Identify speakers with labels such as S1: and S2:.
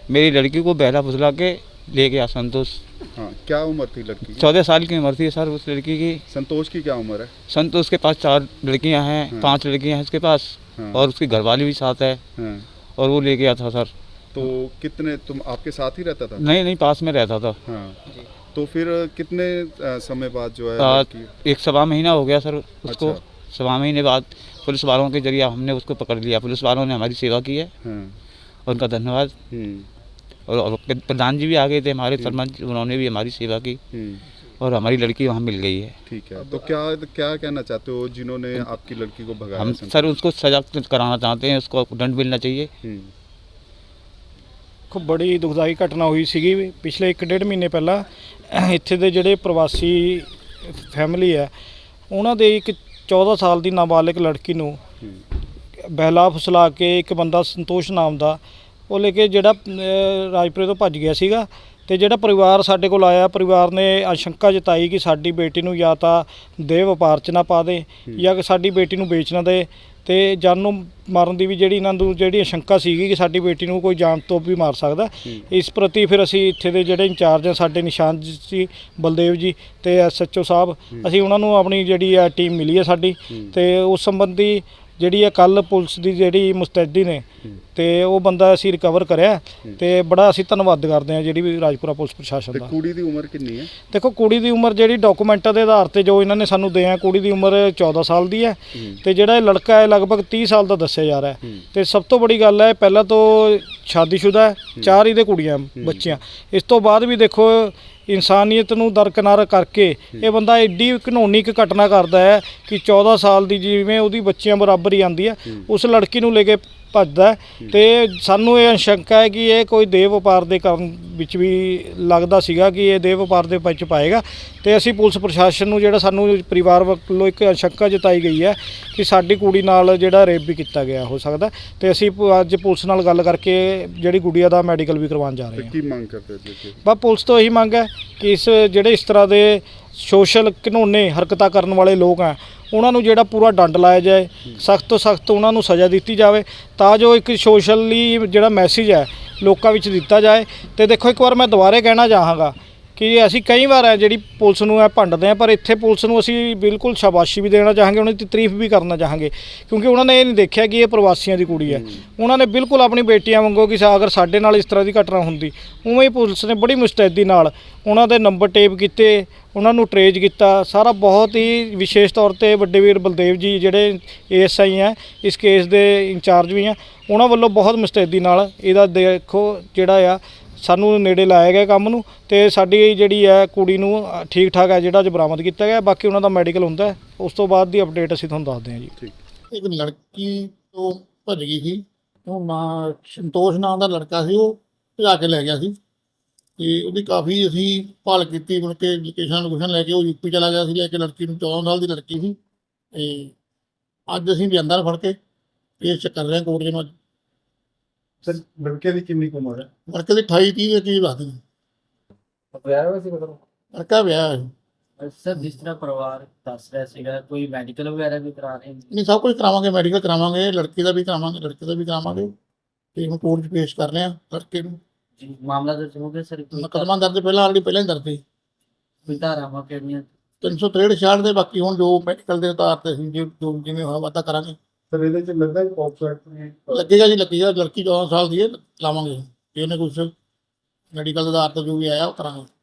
S1: मेरी लड़की को बहला फुसला के ले गया संतोष।
S2: हाँ, क्या उम्र थी लड़की की?
S1: 14 साल की उम्र थी सर उस लड़की की।
S2: संतोष की क्या उम्र है?
S1: संतोष के पास 4 लड़कियां हैं,
S2: हाँ।
S1: 5 लड़कियां हैं उसके पास,
S2: हाँ।
S1: और उसकी घरवाली भी साथ है,
S2: हाँ।
S1: और वो ले गया था सर।
S2: तो कितने, तुम आपके साथ ही रहता था?
S1: नहीं नहीं, पास में रहता था।
S2: हाँ। तो फिर कितने समय बाद जो है
S1: आ,
S2: लड़की?
S1: 1 सवा महीना हो गया सर उसको।
S2: अच्छा।
S1: 1 सवा महीने बाद पुलिस वालों के जरिए हमने उसको पकड़ लिया। पुलिस वालों ने हमारी सेवा की है,
S2: हाँ।
S1: उनका धन्यवाद। और प्रधान जी भी आ गए थे हमारे, सरपंच, उन्होंने भी हमारी सेवा की, और हमारी लड़की वहाँ मिल गई है।
S2: ठीक है, तो क्या क्या कहना चाहते हो जिन्होंने आपकी लड़की को भगाया?
S1: हम सर उसको सजा कराना चाहते हैं, उसको दंड मिलना चाहिए।
S3: खूब बड़ी दुखदाई घटना हुई सी पिछले 1-1.5 महीने पहला। ਇੱਥੇ ਦੇ ਜਿਹੜੇ ਪ੍ਰਵਾਸੀ ਫੈਮਿਲੀ ਹੈ ਉਹਨਾਂ ਦੇ ਇੱਕ 14 ਸਾਲ ਦੀ ਨਾਬਾਲਿਗ ਲੜਕੀ ਨੂੰ ਬਹਿਲਾ ਫੁਸਲਾ ਕੇ ਇੱਕ ਬੰਦਾ ਸੰਤੋਸ਼ ਨਾਮ ਦਾ ਉਹ ਲੈ ਕੇ ਜਿਹੜਾ ਰਾਜਪੁਰੇ ਤੋਂ ਭੱਜ ਗਿਆ ਸੀਗਾ। ਤੇ ਜਿਹੜਾ ਪਰਿਵਾਰ ਸਾਡੇ ਕੋਲ ਆਇਆ, ਪਰਿਵਾਰ ਨੇ ਆਸ਼ੰਕਾ ਜਤਾਈ ਕਿ ਸਾਡੀ ਬੇਟੀ ਨੂੰ ਜਾਂ ਤਾਂ ਦੇਹ ਵਪਾਰ 'ਚ ਨਾ ਪਾ ਦੇ ਜਾਂ ਕਿ ਸਾਡੀ ਬੇਟੀ ਨੂੰ ਵੇਚ ਨਾ ਦੇ, ਤੇ ਜਾਨੋਂ ਮਾਰਨ ਦੀ ਵੀ ਜਿਹੜੀ ਇਹਨਾਂ ਨੂੰ ਜਿਹੜੀ ਆਸ਼ੰਕਾ ਸੀਗੀ ਕਿ ਸਾਡੀ ਬੇਟੀ ਨੂੰ ਕੋਈ ਜਾਨ ਤੋਂ ਵੀ ਮਾਰ ਸਕਦਾ। ਇਸ ਪ੍ਰਤੀ ਫਿਰ ਅਸੀਂ ਇੱਥੇ ਦੇ ਜਿਹੜੇ ਇੰਚਾਰਜ ਆ ਸਾਡੇ ਨਿਸ਼ਾਨ ਜੀ, ਬਲਦੇਵ ਜੀ ਤੇ SHO ਸਾਹਿਬ, ਅਸੀਂ ਉਹਨਾਂ ਨੂੰ ਆਪਣੀ ਜਿਹੜੀ ਆ ਟੀਮ ਮਿਲੀ ਹੈ ਸਾਡੀ, ਤੇ ਉਸ ਸੰਬੰਧੀ ਜਿਹੜੀ ਆ ਕੱਲ ਪੁਲਿਸ ਦੀ ਜਿਹੜੀ ਮੁਸਤੈਦੀ ਨੇ ਤੇ ਉਹ ਬੰਦਾ ਅਸੀਂ ਰਿਕਵਰ ਕਰਿਆ, ਤੇ ਬੜਾ ਅਸੀਂ ਧੰਨਵਾਦ ਕਰਦੇ ਹਾਂ ਜਿਹੜੀ ਵੀ ਰਾਜਪੁਰਾ ਪੁਲਿਸ ਪ੍ਰਸ਼ਾਸਨ ਦਾ।
S2: ਕੁੜੀ ਦੀ ਉਮਰ ਕਿੰਨੀ ਹੈ?
S3: ਦੇਖੋ ਕੁੜੀ ਦੀ ਉਮਰ ਜਿਹੜੀ ਡਾਕੂਮੈਂਟਾਂ ਦੇ ਆਧਾਰ ਤੇ ਜੋ ਇਹਨਾਂ ਨੇ ਸਾਨੂੰ ਦਿਆ, ਕੁੜੀ ਦੀ ਉਮਰ 14 ਸਾਲ ਦੀ ਹੈ, ਤੇ ਜਿਹੜਾ ਇਹ ਲੜਕਾ ਹੈ ਲਗਭਗ 30 ਸਾਲ ਦਾ ਦੱਸਿਆ ਜਾ ਰਿਹਾ ਹੈ। ਤੇ ਸਭ ਤੋਂ ਬੜੀ ਗੱਲ ਹੈ ਪਹਿਲਾਂ ਤੋਂ ਸ਼ਾਦੀशुदा ਹੈ, 4 ਇਹਦੇ ਕੁੜੀਆਂ ਬੱਚੀਆਂ। ਇਸ ਤੋਂ ਬਾਅਦ ਵੀ ਦੇਖੋ ਇਨਸਾਨੀਅਤ ਨੂੰ ਦਰਕਿਨਾਰ ਕਰਕੇ ਇਹ ਬੰਦਾ ਐਡੀ ਘਿਨੌਣੀ ਇੱਕ ਘਟਨਾ ਕਰਦਾ ਹੈ ਕਿ 14 ਸਾਲ ਦੀ ਜਿਵੇਂ ਉਹਦੀ ਬੱਚੀਆਂ ਬਰਾਬਰ ਹੀ ਆਉਂਦੀ ਹੈ ਉਸ ਲੜਕੀ ਨੂੰ ਲੈ ਕੇ ਭੱਜਦਾ। ਤੇ ਸਾਨੂੰ ਇਹ ਆਸ਼ੰਕਾ ਹੈ ਕਿ ਇਹ ਕੋਈ ਦੇਹ ਵਪਾਰ ਦੇ ਕਰਨ ਵਿੱਚ ਵੀ ਲੱਗਦਾ ਸੀਗਾ ਕਿ ਇਹ ਦੇਹ ਵਪਾਰ ਦੇ ਵਿੱਚ ਪਾਏਗਾ। ਤੇ ਅਸੀਂ ਪੁਲਿਸ ਪ੍ਰਸ਼ਾਸਨ ਨੂੰ ਜਿਹੜਾ ਸਾਨੂੰ ਪਰਿਵਾਰ ਵੱਲੋਂ ਇੱਕ ਆਸ਼ੰਕਾ ਜਤਾਈ ਗਈ ਹੈ ਕਿ ਸਾਡੀ ਕੁੜੀ ਨਾਲ ਜਿਹੜਾ ਰੇਪ ਵੀ ਕੀਤਾ ਗਿਆ ਹੋ ਸਕਦਾ, ਤੇ ਅਸੀਂ ਅੱਜ ਪੁਲਿਸ ਨਾਲ ਗੱਲ ਕਰਕੇ ਜਿਹੜੀ ਗੁੜੀਆ ਦਾ ਮੈਡੀਕਲ ਵੀ ਕਰਵਾਉਣ ਜਾ ਰਹੇ ਹਾਂ।
S2: ਕੀ ਮੰਗ ਕਰਦੇ ਤੁਸੀਂ?
S3: ਬਸ ਪੁਲਿਸ ਤੋਂ ਇਹੀ ਮੰਗ ਹੈ ਕਿ ਜਿਹੜੇ ਇਸ ਤਰ੍ਹਾਂ ਦੇ ਸੋਸ਼ਲ ਘਿਨੌਣੇ ਹਰਕਤਾਂ ਕਰਨ ਵਾਲੇ ਲੋਕ ਆ ਉਹਨਾਂ ਨੂੰ ਜਿਹੜਾ ਪੂਰਾ ਡੰਡ ਲਾਇਆ ਜਾਏ, ਸਖਤ ਤੋਂ ਸਖਤ ਉਹਨਾਂ ਨੂੰ ਸਜ਼ਾ ਦਿੱਤੀ ਜਾਵੇ, ਤਾਂ ਜੋ ਇੱਕ ਸੋਸ਼ਲੀ ਜਿਹੜਾ ਮੈਸੇਜ ਹੈ ਲੋਕਾਂ ਵਿੱਚ ਦਿੱਤਾ ਜਾਏ। ਤੇ ਦੇਖੋ ਇੱਕ ਵਾਰ ਮੈਂ ਦੁਬਾਰੇ ਕਹਿਣਾ ਚਾਹਾਂਗਾ ਕਿ ਅਸੀਂ ਕਈ ਵਾਰ ਹੈ ਜਿਹੜੀ ਪੁਲਿਸ ਨੂੰ ਇਹ ਭੰਡਦੇ ਹਾਂ, ਪਰ ਇੱਥੇ ਪੁਲਿਸ ਨੂੰ ਅਸੀਂ ਬਿਲਕੁਲ ਸ਼ਾਬਾਸ਼ੀ ਵੀ ਦੇਣਾ ਚਾਹਾਂਗੇ, ਉਹਨਾਂ ਦੀ ਤਾਰੀਫ ਵੀ ਕਰਨਾ ਚਾਹਾਂਗੇ, ਕਿਉਂਕਿ ਉਹਨਾਂ ਨੇ ਇਹ ਨਹੀਂ ਦੇਖਿਆ ਕਿ ਇਹ ਪ੍ਰਵਾਸੀਆਂ ਦੀ ਕੁੜੀ ਹੈ। ਉਹਨਾਂ ਨੇ ਬਿਲਕੁਲ ਆਪਣੀ ਬੇਟੀਆਂ ਵਾਂਗੂ ਕਿ ਅਗਰ ਸਾਡੇ ਨਾਲ ਇਸ ਤਰ੍ਹਾਂ ਦੀ ਘਟਨਾ ਹੁੰਦੀ, ਉਵੇਂ ਹੀ ਪੁਲਿਸ ਨੇ ਬੜੀ ਮੁਸਤੈਦੀ ਨਾਲ ਉਹਨਾਂ ਦੇ ਨੰਬਰ ਟੇਪ ਕੀਤੇ, ਉਹਨਾਂ ਨੂੰ ਟਰੇਸ ਕੀਤਾ ਸਾਰਾ। ਬਹੁਤ ਹੀ ਵਿਸ਼ੇਸ਼ ਤੌਰ ਤੇ ਵੱਡੇ ਵੀਰ ਬਲਦੇਵ ਜੀ ਜਿਹੜੇ ASI ਹੈ, ਇਸ ਕੇਸ ਦੇ ਇੰਚਾਰਜ ਵੀ ਆ, ਉਹਨਾਂ ਵੱਲੋਂ ਬਹੁਤ ਮੁਸਤੈਦੀ ਨਾਲ ਇਹਦਾ ਦੇਖੋ ਜਿਹੜਾ ਆ ਸਾਨੂੰ ਨੇੜੇ ਲਾਇਆ ਗਿਆ ਕੰਮ ਨੂੰ, ਤੇ ਸਾਡੀ ਜਿਹੜੀ ਹੈ ਕੁੜੀ ਨੂੰ ਠੀਕ ਠਾਕ ਹੈ ਜਿਹੜਾ ਅੱਜ ਬਰਾਮਦ ਕੀਤਾ ਗਿਆ। ਬਾਕੀ ਉਹਨਾਂ ਦਾ ਮੈਡੀਕਲ ਹੁੰਦਾ, ਉਸ ਤੋਂ ਬਾਅਦ ਦੀ ਅਪਡੇਟ ਅਸੀਂ ਤੁਹਾਨੂੰ ਦੱਸਦੇ ਹਾਂ ਜੀ।
S4: ਇੱਕ ਲੜਕੀ ਤੋਂ ਭੱਜ ਗਈ ਸੀ, ਉਹ ਨਾਂ ਸੰਤੋਸ਼ ਨਾਂ ਦਾ ਲੜਕਾ ਸੀ, ਉਹ ਭਜਾ ਕੇ ਲੈ ਗਿਆ ਸੀ, ਤੇ ਉਹਦੀ ਕਾਫੀ ਅਸੀਂ ਭਾਲ ਕੀਤੀ। ਮੁੜ ਕੇ ਲੋਕੇਸ਼ਨ ਲੈ ਕੇ ਉਹ UP ਚਲਾ ਗਿਆ ਸੀ ਲੈ ਕੇ ਲੜਕੀ ਨੂੰ। 14 ਸਾਲ ਦੀ ਲੜਕੀ ਸੀ, ਤੇ ਅੱਜ ਅਸੀਂ ਲਿਆਂਦਾ ਨਾ ਫੜ ਕੇ ਕੇਸ ਕਰ ਰਹੇ ਹਾਂ ਕੋਰਟ ਦੇ ਨਾਲ।
S2: ਸਰ ਲੜਕੇ ਦੀ ਕਿੰਨੀ ਉਮਰ ਹੈ?
S4: ਲੜਕੇ ਦੀ 28-30 ਦੇ ਕਰੀਬ ਦੱਸਦੇ ਨੇ।
S5: ਵਿਆਹ ਹੋਇਆ ਸੀ ਮਤਲਬ?
S4: ਲੜਕਾ ਵਿਆਹ ਹੈ।
S5: ਸਰ ਜਿਸ ਤਰ੍ਹਾਂ ਪਰਿਵਾਰ ਦੱਸ ਰਿਹਾ ਸੀਗਾ ਕੋਈ ਮੈਡੀਕਲ ਵਗੈਰਾ ਵੀ ਕਰਾ ਰਹੇ
S4: ਨਹੀਂ, ਸਭ ਕੁਝ ਕਰਾਵਾਂਗੇ, ਮੈਡੀਕਲ ਕਰਾਵਾਂਗੇ, ਲੜਕੀ ਦਾ ਵੀ ਕਰਾਵਾਂਗੇ, ਲੜਕੇ ਦਾ ਵੀ ਕਰਾਵਾਂਗੇ, ਤੇ ਹੁਣ ਕੋਰਟ 'ਚ ਪੇਸ਼ ਕਰ ਰਹੇ ਹਾਂ ਲੜਕੇ ਨੂੰ।
S5: ਜੀ ਮਾਮਲਾ ਦਰਜ ਹੋ ਗਿਆ ਸਰ?
S4: ਮੁਕੱਦਮਾ ਦਰਜ ਪਹਿਲਾਂ ਹੀ ਦਰਜ ਸੀ।
S5: ਕੋਈ ਧਾਰਾਵਾਂ ਕਿਹੜੀਆਂ?
S4: 363 66 ਦੇ। ਬਾਕੀ ਹੁਣ ਜੋ ਮੈਡੀਕਲ ਦੇ ਆਧਾਰ ਤੇ ਅਸੀਂ ਜੋ ਜਿਵੇਂ ਹੋਇਆ ਵਾਧਾ ਕਰਾਂਗੇ।
S2: ਸਰ ਇਹਦੇ ਚ ਲੱਗਦਾ ਹੈ ਪੌਪਸੈਟ
S4: ਲੱਗੇਗਾ ਜੀ, ਲੱਗੇਗਾ। ਲੜਕੀ 14 ਸਾਲ ਦੀ ਹੈ, ਲਾਵਾਂਗੇ ਜੇ ਉਹਨੇ ਕੁਛ ਮੈਡੀਕਲ ਦੇ ਆਧਾਰ ਤੇ ਜੋ ਵੀ ਆਇਆ ਉਹ ਕਰਾਂਗੇ।